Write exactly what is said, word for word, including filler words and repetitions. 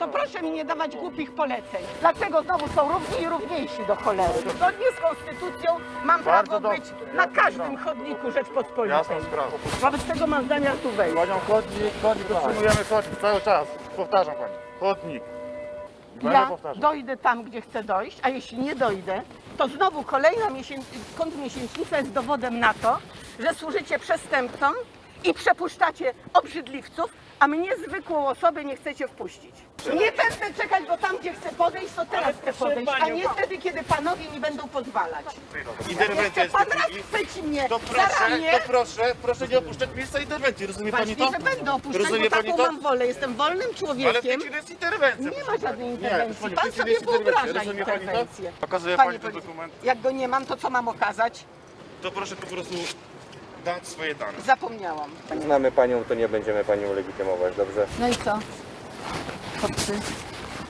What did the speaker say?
to proszę mi nie dawać głupich poleceń. Dlaczego znowu są równi i równiejsi do cholery? Zgodnie z konstytucją mam Bardzo prawo dobrze. być na każdym chodniku Rzeczpospolitej. Jasna sprawa. Wobec tego mam zamiar tu wejść. Panią chodnik, chodnik, utrzymujemy chodnik cały czas. Powtarzam pani, chodnik. Będę Ja powtarzał. dojdę tam, gdzie chcę dojść, a jeśli nie dojdę, to znowu kolejna miesięc... kontrmiesięcznica jest dowodem na to, że służycie przestępcom i przepuszczacie obrzydliwców, a mnie, zwykłą osobę, nie chcecie wpuścić. Nie będę czekać, bo tam, gdzie chcę podejść, to teraz chcę podejść, a nie wtedy, kiedy panowie mi będą pozwalać. Interwencja Jeszcze jest pan w raz tej chwili. chwyci mnie To za proszę, ramię. to proszę, proszę nie opuszczać miejsca interwencji, rozumie pani Właśnie, to? że będę opuszczać, Rozumie bo pani taką to? mam wolę. Jestem wolnym Ale w tej człowiekiem. chwili jest interwencja. Nie ma proszę żadnej pani. interwencji. Nie, Pan w tej chwili sobie jest interwencja. wyobraża Rozumie pani to? interwencję. Pokazuje Panie pani ten policjant, dokument. jak go nie mam, to co mam okazać? To proszę po prostu dać swoje dane. Zapomniałam. Znamy panią, to nie będziemy panią legitymować, dobrze? No i co? Chłopcy,